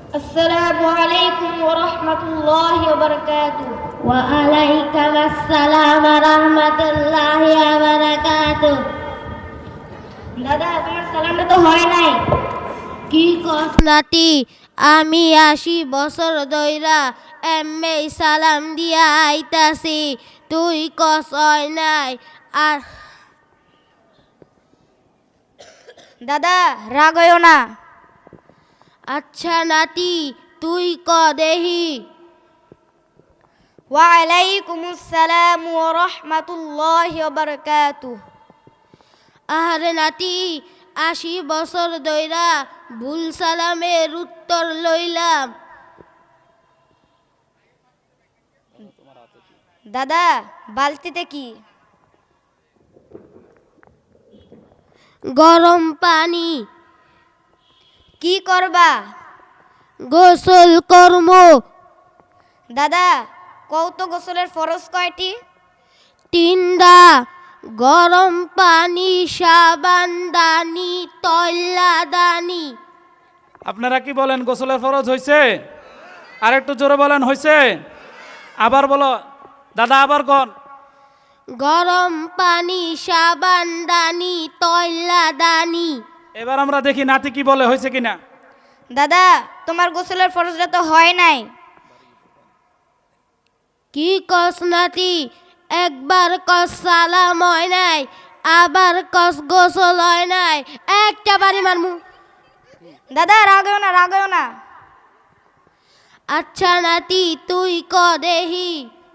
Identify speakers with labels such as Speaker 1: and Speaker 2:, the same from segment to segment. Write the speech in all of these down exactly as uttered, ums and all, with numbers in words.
Speaker 1: আসসালামু আলাইকুম ওয়া রাহমাতুল্লাহি ওয়া বারাকাতুহু।
Speaker 2: ওয়া আলাইকুম আসসালাম ওয়া রাহমাতুল্লাহি ওয়া বারাকাতুহু।
Speaker 1: দাদা, তোমার সালামটা তো হয় নাই।
Speaker 2: কি কস নাতি? আমি আশি বছর ধইরা এমএ সালাম দিয়া আইতাছি, তুই কস হয় নাই? আর
Speaker 1: দাদা, রাগ হইও না।
Speaker 2: আচ্ছা নাতি, তুই ক দেহি।
Speaker 1: ওয়া আলাইকুমুস সালাম ওয়া রাহমাতুল্লাহি ওয়া বারাকাতুহু।
Speaker 2: আরে নাতি, আশি বছর ধইরা ভুল সালামের উত্তর লইলাম।
Speaker 1: দাদা, বালতিতে কি?
Speaker 2: গরম পানি।
Speaker 1: কি করবা?
Speaker 2: গোসল কর্ম।
Speaker 1: দাদা, কও তো গোসলের ফরজ কয়টি?
Speaker 2: তিনটা। গরম পানি, সাবান দানি, তৈলা দানি।
Speaker 3: আপনারা কি বলেন, গোসলের ফরজ হয়েছে? আর একটু জোরে বলেন, হয়েছে? আবার বলো দাদা, আবার কোন?
Speaker 2: গরম পানি, সাবান দানি, তৈলা দানি।
Speaker 3: এবার আমরা দেখি নাতি কি বলে, হয়েছে কিনা।
Speaker 1: দাদা, তোমার গোসলের ফরজটা তো হয় নাই।
Speaker 2: কি কস নাতি? একবার কস সালাম হয় নাই, আবার কস গোসল হয় নাই। একটা বাড়ি মারমু।
Speaker 1: দাদা, রাগ হইও না, রাগ হইও না।
Speaker 2: আচ্ছা নাতি, তুই ক দেহি।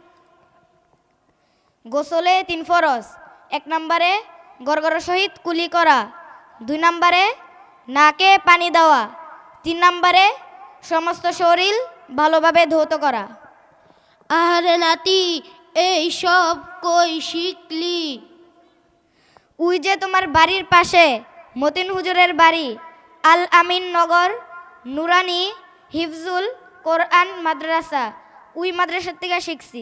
Speaker 1: গোসলে তিন ফরজ। এক নম্বরে গড়গড় সহিত কুলি করা, দুই নম্বরে নাকে পানি দেওয়া, তিন নম্বরে সমস্ত শরীর ভালোভাবে ধৌত করা।
Speaker 2: আরে নাতি, এই সব কই শিখলি?
Speaker 1: উই যে তোমার বাড়ির পাশে মতিন হুজুরের বাড়ি, আল আমিন নগর নুরানি হিফজুল কোরআন মাদ্রাসা, উই মাদ্রাসার থেকে শিখছি।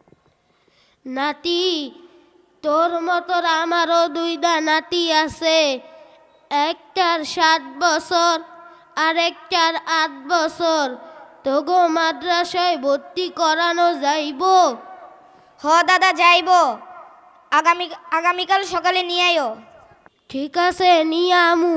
Speaker 2: নাতি, তোর মতোর আমারও দুইটা নাতি আছে। একটার সাত বছর আর একটার আট বছর। তোগো মাদ্রাসায় ভর্তি করানো যাইব?
Speaker 1: হ দাদা, যাইব। আগামী আগামীকাল সকালে নিয়ে আইও।
Speaker 2: ঠিক আছে, নিয়ে আমু।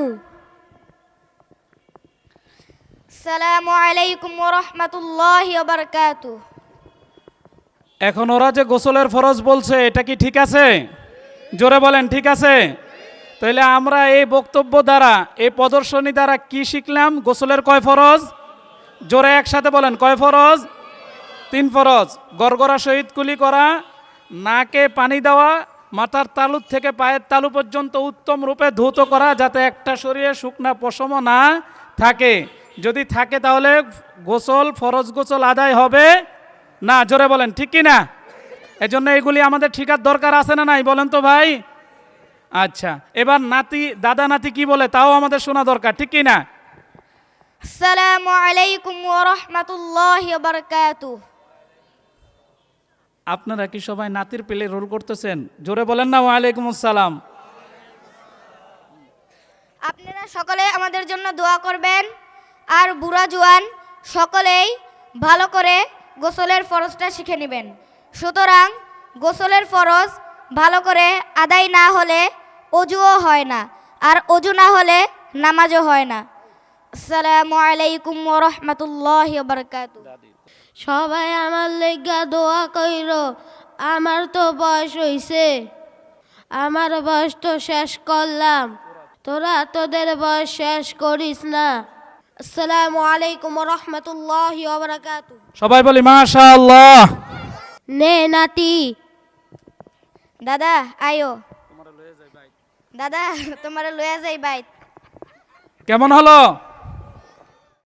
Speaker 1: আসসালামু আলাইকুম ওয়া রাহমাতুল্লাহি ওয়া বারাকাতুহু।
Speaker 3: এখন ওরা যে গোসলের ফরজ বলছে, এটা কি ঠিক আছে? জোরে বলেন, ঠিক আছে? তাহলে আমরা এই বক্তব্য দ্বারা, এই প্রদর্শনী দ্বারা কি শিখলাম? গোসলের কয় ফরজ? জোরে একসাথে বলেন, কয় ফরজ? তিন ফরজ। গড়গড়া সহিত কুলি করা, নাকে পানি দেওয়া, মাথার তালু থেকে পায়ের তালু পর্যন্ত উত্তম রূপে ধৌত করা, যাতে একটা শরীরে শুকনা পশম না থাকে। যদি থাকে তাহলে গোসল, ফরজ গোসল আদায় হবে না। জোরে বলেন, ঠিক কি না? এজন্য এগুলি আমাদের ঠিকার দরকার আছে না নাই, বলেন তো ভাই? আচ্ছা, এবার নাতি, দাদা নাতি কি বলে তাও আমাদের শোনা দরকার, ঠিক কি না?
Speaker 1: আসসালামু আলাইকুম ওয়া রাহমাতুল্লাহি ওয়া বারাকাতুহু।
Speaker 3: আপনারা কি সবাই নাতির পেলে রোল করতেছেন? জোরে বলেন না, ওয়ালাইকুম আসসালাম।
Speaker 1: আপনারা সকলে আমাদের জন্য দোয়া করবেন, আর বুড়া জোয়ান সকলেই ভালো করে গোসলের ফরজটা শিখে নেবেন। সুতরাং গোসলের ফরজ ভালো করে আদায় না হলে অজুও হয় না, আর অজু না হলে নামাজও হয় না। আসসালামু আলাইকুম ওয়া রাহমাতুল্লাহি ওয়া বারাকাতুহু।
Speaker 2: সবাই আমার লেগা দোয়া কইর। আমার তো বয়স হইছে, আমার বয়স তো শেষ করলাম, তোরা তোদের বয়স শেষ করিস না। আসসালামু আলাইকুম ওয়া রাহমাতুল্লাহি ওয়া বারাকাতুহু।
Speaker 3: সবাই বলি মাশাআল্লাহ।
Speaker 2: নে নাতি।
Speaker 1: দাদা, আয়ো। দাদা, তোমার লয়ে যাই বাইত।
Speaker 3: কেমন হলো?